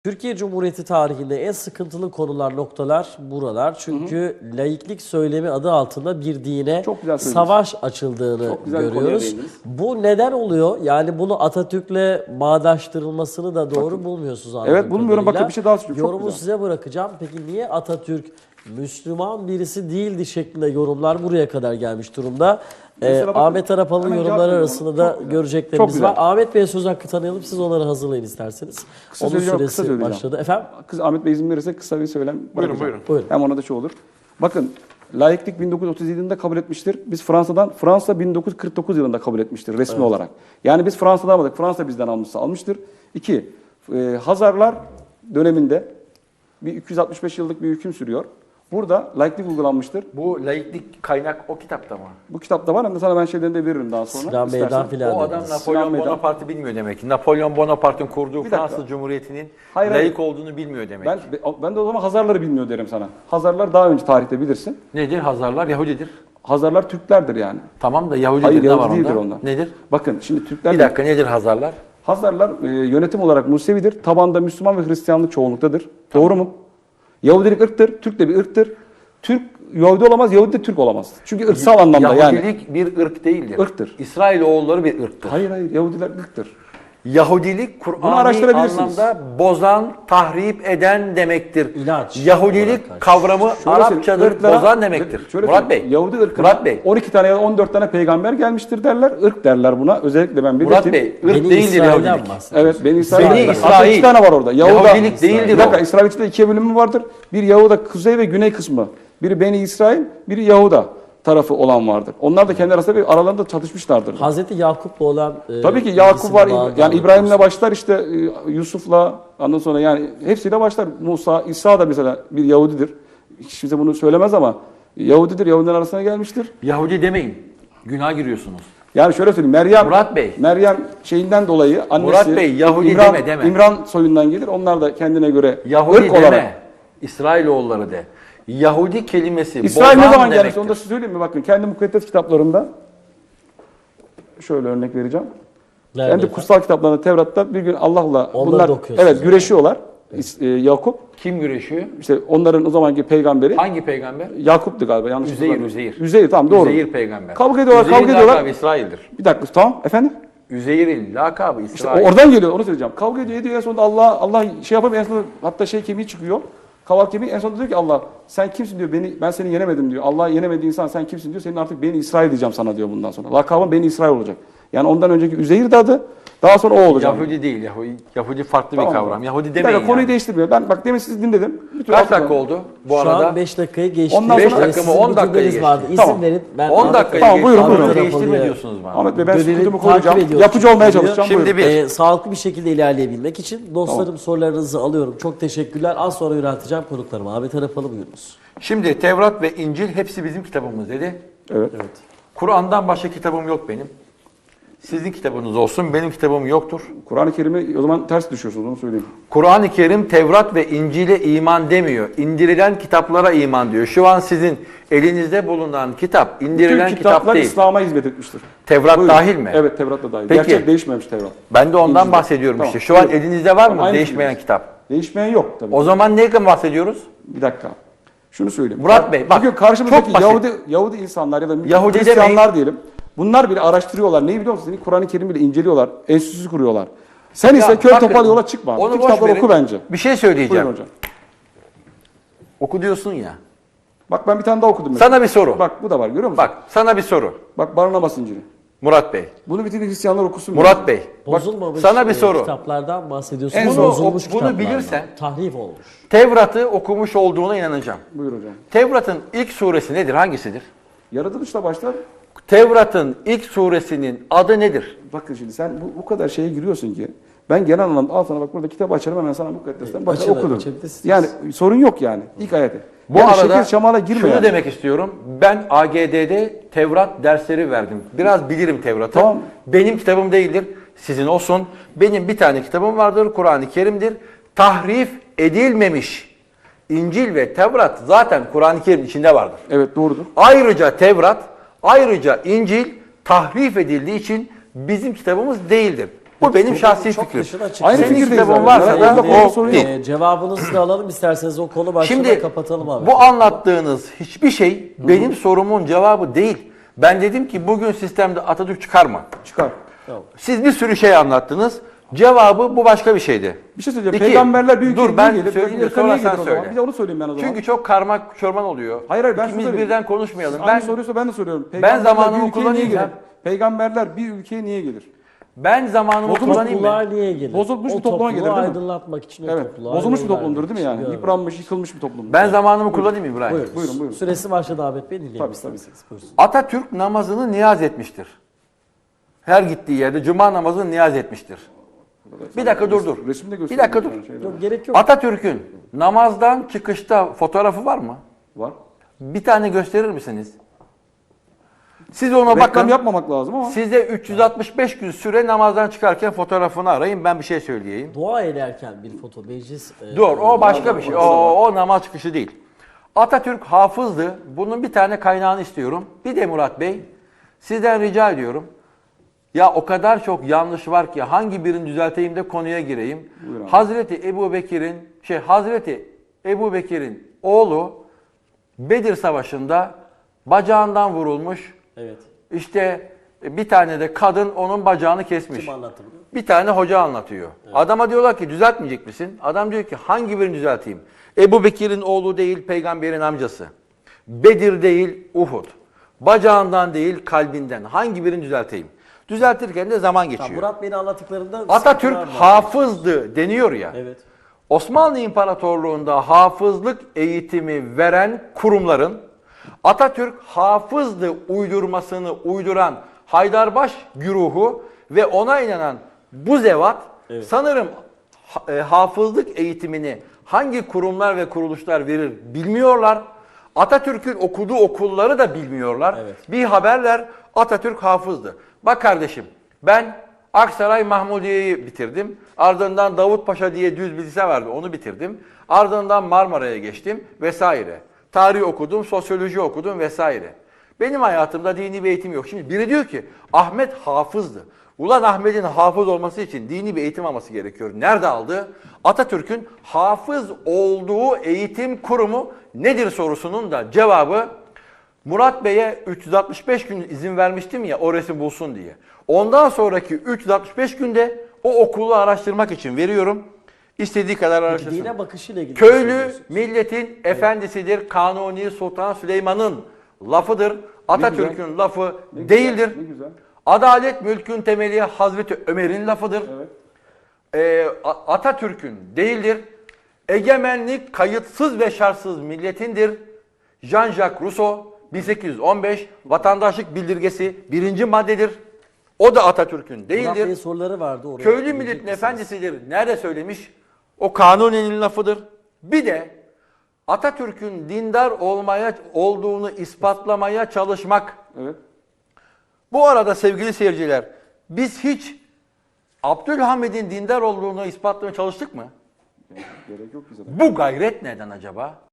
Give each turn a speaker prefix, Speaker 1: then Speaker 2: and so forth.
Speaker 1: Türkiye Cumhuriyeti tarihinde en sıkıntılı konular, noktalar buralar. Çünkü laiklik söylemi adı altında bir dine savaş açıldığını görüyoruz. Bu neden oluyor? Yani bunu Atatürk'le bağdaştırılmasını da doğru bulmuyorsunuz.
Speaker 2: Evet, bulmuyorum. Bakın bir şey daha söyleyeyim.
Speaker 1: Yorumu size bırakacağım. Peki niye Atatürk Müslüman birisi değildi şeklinde yorumlar buraya kadar gelmiş durumda? Ahmet Arapalı'nın yorumları arasında da göreceklerimiz var. Ahmet Bey'e söz hakkı tanıyalım. Siz onları hazırlayın isterseniz. Onun süresi başladı. Efendim?
Speaker 2: Ahmet Bey izin verirse kısa bir söylem.
Speaker 1: Buyurun.
Speaker 2: Hem ona da şu olur. Bakın, laiklik 1937 yılında kabul etmiştir. Biz Fransa 1949 yılında kabul etmiştir resmi olarak. Yani biz Fransa'dan almadık. Fransa bizden almıştır. İki, Hazarlar döneminde bir 265 yıllık bir hüküm sürüyor. Burada laiklik uygulanmıştır.
Speaker 3: Bu laiklik kaynak o kitapta mı?
Speaker 2: Bu kitapta var. Hem de sana ben şeylerini de veririm daha sonra.
Speaker 1: Sinan Bey'den filan.
Speaker 3: O adam Napolyon Bonaparte bilmiyor demek ki. Napolyon Bonaparte'ın kurduğu Fransız Cumhuriyeti'nin laik olduğunu bilmiyor demek.
Speaker 2: Ben de o zaman Hazarları bilmiyor derim sana. Hazarlar daha önce tarihte bilirsin.
Speaker 3: Nedir? Hazarlar Yahudidir.
Speaker 2: Hazarlar Türklerdir yani.
Speaker 3: Tamam da Yahudidir.
Speaker 2: Hayır,
Speaker 3: ne
Speaker 2: Yahudi
Speaker 3: var
Speaker 2: değildir
Speaker 3: onda?
Speaker 2: onlar.
Speaker 3: Nedir?
Speaker 2: Bakın şimdi Türkler...
Speaker 3: Bir dakika, nedir Hazarlar?
Speaker 2: Hazarlar yönetim olarak Musevidir. Tabanda Müslüman ve Hristiyanlık çoğunluktadır. Tamam. Doğru mu? Yahudilik ırktır. Türk de bir ırktır. Türk Yahudi olamaz, Yahudi de Türk olamaz. Çünkü ırksal anlamda yani.
Speaker 3: Yahudilik bir ırk değildir.
Speaker 2: Irktır.
Speaker 3: İsrailoğulları bir ırktır.
Speaker 2: Hayır, Yahudiler ırktır.
Speaker 3: Yahudilik Kur'an'ı anlamda bozan, tahrip eden demektir.
Speaker 1: İlaç.
Speaker 3: Yahudilik kavramı Arapçadır, bozan demektir.
Speaker 2: Murat Bey, Yahudi ırkına 12 tane ya da 14 tane peygamber gelmiştir derler. Irk derler buna. Özellikle ben belirteyim.
Speaker 3: Murat Bey, ırk değildir Yahudilik.
Speaker 2: Evet, Beni İsrail.
Speaker 3: Beni İsrail.
Speaker 2: 2 tane var orada.
Speaker 3: Yahudilik değildir
Speaker 2: bir dakika, İsrail içinde 2 bölümü vardır. Bir Yahuda kuzey ve güney kısmı. Biri Beni İsrail, biri Yahuda tarafı olan vardır. Onlar da kendi arasında aralarında çatışmışlardır.
Speaker 1: Hazreti Yakup'la olan
Speaker 2: tabii ki Yakup var. Yani İbrahim'le başlar işte Yusuf'la, ondan sonra yani hepsiyle başlar. Musa, İsa da mesela bir Yahudidir. Hiç kimse bunu söylemez ama Yahudidir. Yahudilerin arasına gelmiştir.
Speaker 3: Yahudi demeyin. Günah giriyorsunuz.
Speaker 2: Yani şöyle söyleyeyim.
Speaker 3: Murat Bey.
Speaker 2: Meryem şeyinden dolayı annesi
Speaker 3: Murat Bey, Yahudi deme.
Speaker 2: İmran soyundan gelir. Onlar da kendine göre
Speaker 3: Yahudi
Speaker 2: ırk
Speaker 3: deme.
Speaker 2: olarak.
Speaker 3: İsrailoğulları de. Yahudi kelimesi
Speaker 2: İsrail ne zaman
Speaker 3: demektir.
Speaker 2: gelmiş? Onu da size söyleyeyim mi? Bakın kendi mukaddes kitaplarında şöyle örnek vereceğim.
Speaker 1: Nerede
Speaker 2: Kendi kutsal kitaplarında Tevrat'ta bir gün Allah'la bunlar güreşiyorlar. Yakup.
Speaker 3: Kim güreşiyor?
Speaker 2: İşte onların o zamanki peygamberi.
Speaker 3: Hangi peygamber?
Speaker 2: Yakup'tu galiba, yanlış
Speaker 3: Üzeyir.
Speaker 2: Üzeyir, tamam, doğru.
Speaker 3: Üzeyir peygamber.
Speaker 2: Kavga ediyorlar.
Speaker 3: lakabı İsrail'dir.
Speaker 2: Bir dakika, tamam efendim.
Speaker 3: Üzeyir'in lakabı
Speaker 2: İşte
Speaker 3: İsrail.
Speaker 2: oradan geliyor, onu söyleyeceğim. Kavga ediyor en sonunda Allah şey yapıp en sonunda hatta kemiği çıkıyor. Kaval kemiği en sonunda diyor ki Allah sen kimsin diyor, ben seni yenemedim diyor. Allah yenemediği insan sen kimsin diyor. Senin artık Beni İsrail diyeceğim sana diyor bundan sonra. Lakabın Beni İsrail olacak. Yani ondan önceki Üzeyir de adı, daha sonra o olacak.
Speaker 3: Yahudi değil. Yahudi farklı bir kavram. Yahudi demeyin yani.
Speaker 2: Konuyu değiştirmiyor. Ben bak demin sizi dinledim.
Speaker 3: Kaç dakika oldu bu arada?
Speaker 1: Şu an 5 dakikayı geçti.
Speaker 2: Ondan sonra
Speaker 3: 5 dakika mı 10 dakikayı geçti.
Speaker 1: Vardı. İzin
Speaker 2: Tamam.
Speaker 1: verin. Ben
Speaker 3: 10 dakikayı
Speaker 2: tamam,
Speaker 3: geçti.
Speaker 2: buyurun.
Speaker 3: Değiştirme diyorsunuz bana.
Speaker 2: Ahmet Bey ben
Speaker 1: Dönemi
Speaker 2: sükutumu
Speaker 1: takip
Speaker 2: koruyacağım.
Speaker 1: ediyoruz.
Speaker 2: Yapıcı olmaya çalışacağım.
Speaker 3: Şimdi bir.
Speaker 1: Sağlıklı bir şekilde ilerleyebilmek için dostlarım sorularınızı alıyorum. Çok teşekkürler. Az sonra yönelteceğim konuklarıma. Ahmet Arapalı buyurunuz.
Speaker 3: Şimdi Tevrat ve İncil hepsi bizim kitabımız dedi.
Speaker 2: Evet.
Speaker 3: Kur'an'dan başka kitabım yok benim. Sizin kitabınız olsun, benim kitabım yoktur.
Speaker 2: Kur'an-ı Kerim'e o zaman ters düşüyorsunuz, onu söyleyeyim.
Speaker 3: Kur'an-ı Kerim Tevrat ve İncil'e iman demiyor. İndirilen kitaplara iman diyor. Şu an sizin elinizde bulunan kitap indirilen
Speaker 2: Bütün
Speaker 3: kitap
Speaker 2: kitaplar
Speaker 3: değil.
Speaker 2: İslam'a hizmet etmiştir.
Speaker 3: Tevrat
Speaker 2: Buyurun.
Speaker 3: dahil mi?
Speaker 2: Evet, Tevrat da dahil.
Speaker 3: Peki.
Speaker 2: Gerçek değişmemiş Tevrat.
Speaker 3: Ben de ondan
Speaker 2: İncil'de.
Speaker 3: bahsediyorum
Speaker 2: Tamam.
Speaker 3: işte. Şu an
Speaker 2: Buyurun.
Speaker 3: elinizde var mı
Speaker 2: Aynı
Speaker 3: değişmeyen
Speaker 2: fikirdeyim.
Speaker 3: kitap?
Speaker 2: Değişmeyen yok tabii.
Speaker 3: O zaman neyden bahsediyoruz?
Speaker 2: Bir dakika. Şunu söyleyeyim.
Speaker 3: Murat Bey, bak,
Speaker 2: bugün karşımızdaki
Speaker 3: çok basit.
Speaker 2: Yahudi insanlar ya da
Speaker 3: Yahudi
Speaker 2: Hristiyanlar diyelim. Bunlar bile araştırıyorlar. Neyi biliyor musun? Kur'an-ı Kerim bile inceliyorlar. Enstitüsü kuruyorlar. Sen ise kör
Speaker 3: bakın,
Speaker 2: topal yola çıkma.
Speaker 3: Onu
Speaker 2: Bu
Speaker 3: boş
Speaker 2: kitapları
Speaker 3: verin.
Speaker 2: oku bence.
Speaker 3: Bir şey söyleyeceğim.
Speaker 2: Buyurun hocam.
Speaker 3: Oku diyorsun ya.
Speaker 2: Bak ben bir tane daha okudum. Mesela.
Speaker 3: Sana bir soru.
Speaker 2: Bak bu da var, görüyor musun?
Speaker 3: Bak sana bir soru.
Speaker 2: Bak Barnabas İncil'i.
Speaker 3: Murat Bey.
Speaker 2: Bunu bütün Hristiyanlar okusun.
Speaker 3: Murat Bey.
Speaker 1: Bozulmamış
Speaker 3: sana bir soru.
Speaker 1: kitaplardan bahsediyorsunuz.
Speaker 2: En son
Speaker 1: Bozulmuş
Speaker 3: bunu
Speaker 1: kitaplardan.
Speaker 3: bilirsen-
Speaker 1: Tahrif olmuş.
Speaker 3: Tevrat'ı okumuş olduğuna inanacağım.
Speaker 2: Buyur hocam.
Speaker 3: Tevrat'ın ilk suresi nedir? Hangisidir?
Speaker 2: Yaratılışla başlar.
Speaker 3: Tevrat'ın ilk suresinin adı nedir?
Speaker 2: Bakın şimdi sen bu kadar şeye giriyorsun ki ben genel anlamda al sana bak burada kitabı açarım hemen sana mukaddesten başlar
Speaker 1: Açın,
Speaker 2: okudum.
Speaker 1: açabilirsiniz.
Speaker 2: Yani sorun yok yani ilk ayeti.
Speaker 3: Bu
Speaker 2: Yani
Speaker 3: arada
Speaker 2: şekil şamala girme
Speaker 3: şunu
Speaker 2: yani.
Speaker 3: demek istiyorum. Ben AGD'de Tevrat dersleri verdim. Biraz bilirim Tevrat'ı.
Speaker 2: Tamam.
Speaker 3: Benim kitabım değildir. Sizin olsun. Benim bir tane kitabım vardır. Kur'an-ı Kerim'dir. Tahrif edilmemiş İncil ve Tevrat zaten Kur'an-ı Kerim'in içinde vardır.
Speaker 2: Evet doğrudur.
Speaker 3: Ayrıca Tevrat, ayrıca İncil tahrif edildiği için bizim kitabımız değildir. Bu benim şahsi
Speaker 1: Çok
Speaker 3: fikrim.
Speaker 1: dışına çıktı.
Speaker 2: Aynı
Speaker 3: Senin
Speaker 2: fikirdeyiz
Speaker 3: kitabın
Speaker 2: zaten.
Speaker 3: varsa
Speaker 2: Yani
Speaker 3: da
Speaker 2: orada
Speaker 3: o
Speaker 2: sorun
Speaker 3: değil.
Speaker 2: yok.
Speaker 1: Cevabınızı da alalım isterseniz, o konu başlığını
Speaker 3: Şimdi
Speaker 1: kapatalım abi.
Speaker 3: bu anlattığınız hiçbir şey benim sorumun cevabı değil. Ben dedim ki bugün sistemde Atatürk çıkar mı?
Speaker 2: Çıkar.
Speaker 3: Siz bir sürü şey anlattınız. Cevabı bu başka bir şeydi.
Speaker 2: Bir şey söyleyeceğim.
Speaker 3: İki,
Speaker 2: Peygamberler bir ülkeye
Speaker 3: dur ben
Speaker 2: niye gelir?
Speaker 3: söyleyeyim de
Speaker 2: Bir ırka
Speaker 3: sonra
Speaker 2: niye
Speaker 3: sen
Speaker 2: gelir o zaman?
Speaker 3: söyle.
Speaker 2: Bir de onu söyleyeyim ben o zaman.
Speaker 3: Çünkü çok karmak çorman oluyor.
Speaker 2: Hayır ben
Speaker 3: İkimiz
Speaker 2: söyleyeyim.
Speaker 3: birden konuşmayalım.
Speaker 2: Siz aynı soruyorsa ben de soruyorum.
Speaker 3: zamanımı
Speaker 2: bir ülkeye
Speaker 3: kullanayım
Speaker 2: niye
Speaker 3: ya.
Speaker 2: gelir? Peygamberler bir ülkeye niye gelir?
Speaker 3: Ben zamanımı
Speaker 2: Bozulmuş
Speaker 3: kullanayım
Speaker 1: Topluluğa
Speaker 3: mı?
Speaker 1: niye gelir?
Speaker 2: Bozulmuş
Speaker 1: O
Speaker 2: bir topluma gelir,
Speaker 1: topluluğu
Speaker 2: değil mi?
Speaker 1: aydınlatmak için o
Speaker 2: Evet.
Speaker 1: topluluğa
Speaker 2: Bozulmuş bir
Speaker 1: yol
Speaker 2: toplumdur değil mi
Speaker 1: vermek
Speaker 2: yani?
Speaker 1: için.
Speaker 2: Yıpranmış, yıkılmış bir toplum.
Speaker 3: Ben zamanımı kullanayım mı İbrahim?
Speaker 1: Buyurun.
Speaker 2: Buyurun.
Speaker 1: Süresi başladı Ahmet Bey, dinleyelim.
Speaker 2: Tabii.
Speaker 1: Buyursun.
Speaker 3: Atatürk namazını niyaz etmiştir. Her gittiği yerde cuma namazını niyaz etmiştir. Bir dakika dur.
Speaker 2: Resimde
Speaker 3: Bir dakika dur.
Speaker 1: Yok, gerek yok.
Speaker 3: Atatürk'ün namazdan çıkışta fotoğrafı var mı?
Speaker 2: Var.
Speaker 3: Bir tane gösterir misiniz? Siz ona
Speaker 2: Reklam
Speaker 3: bakın.
Speaker 2: yapmamak lazım ama.
Speaker 3: Size 365 gün süre namazdan çıkarken fotoğrafını arayın. Ben bir şey söyleyeyim.
Speaker 1: Dua ederken bir foto meclis.
Speaker 3: Dur, o başka bir şey. O namaz çıkışı değil. Atatürk hafızdı. Bunun bir tane kaynağını istiyorum. Bir de Murat Bey, sizden rica ediyorum. Ya o kadar çok yanlış var ki hangi birini düzelteyim de konuya gireyim.
Speaker 2: Buyurun.
Speaker 3: Hazreti Ebu Bekir'in oğlu Bedir Savaşı'nda bacağından vurulmuş.
Speaker 1: Evet.
Speaker 3: İşte bir tane de kadın onun bacağını kesmiş.
Speaker 1: Kim anlattı bunu?
Speaker 3: Bir tane hoca anlatıyor. Adama diyorlar ki düzeltmeyecek misin? Adam diyor ki hangi birini düzelteyim? Ebu Bekir'in oğlu değil, peygamberin amcası. Bedir değil, Uhud. Bacağından değil, kalbinden. Hangi birini düzelteyim? Düzeltirken de zaman geçiyor.
Speaker 1: Tamam, Murat Bey'in anlattıklarında
Speaker 3: Atatürk
Speaker 1: sıkıntılar var.
Speaker 3: hafızdı deniyor ya.
Speaker 1: Evet.
Speaker 3: Osmanlı İmparatorluğu'nda hafızlık eğitimi veren kurumların Atatürk hafızdı uydurmasını uyduran Haydarbaş güruhu ve ona inanan bu zevat sanırım hafızlık eğitimini hangi kurumlar ve kuruluşlar verir bilmiyorlar. Atatürk'ün okuduğu okulları da bilmiyorlar.
Speaker 1: Evet.
Speaker 3: Bir haberler Atatürk hafızdı. Bak kardeşim, ben Aksaray Mahmudiye'yi bitirdim. Ardından Davutpaşa diye düz bir lise vardı, onu bitirdim. Ardından Marmara'ya geçtim vesaire. Tarih okudum, sosyoloji okudum vesaire. Benim hayatımda dini bir eğitim yok. Şimdi biri diyor ki Ahmet hafızdı. Ulan Ahmet'in hafız olması için dini bir eğitim alması gerekiyor. Nerede aldı? Atatürk'ün hafız olduğu eğitim kurumu nedir sorusunun da cevabı Murat Bey'e 365 gün izin vermiştim ya o resim bulsun diye. Ondan sonraki 365 günde o okulu araştırmak için veriyorum. İstediği kadar araştırsın.
Speaker 1: Dine bakışıyla ilgili.
Speaker 3: Köylü milletin efendisidir. Kanuni Sultan Süleyman'ın lafıdır. Atatürk'ün lafı değildir.
Speaker 2: Ne güzel.
Speaker 3: Adalet mülkün temeli Hazreti Ömer'in lafıdır.
Speaker 2: Evet.
Speaker 3: Atatürk'ün değildir. Egemenlik kayıtsız ve şartsız milletindir. Jean-Jacques Rousseau 1815 vatandaşlık bildirgesi 1. maddedir. O da Atatürk'ün
Speaker 1: Murat Bey'in
Speaker 3: değildir.
Speaker 1: soruları vardı oraya.
Speaker 3: Köylü
Speaker 1: gelecek
Speaker 3: milletin
Speaker 1: misiniz?
Speaker 3: efendisidir. Nerede söylemiş? O Kanuni'nin lafıdır. Bir de Atatürk'ün dindar olduğunu ispatlamaya çalışmak.
Speaker 2: Evet.
Speaker 3: Bu arada sevgili seyirciler, biz hiç Abdülhamid'in dindar olduğunu ispatlamaya çalıştık mı?
Speaker 2: Gerek yok ki zaten.
Speaker 3: Bu gayret neden acaba?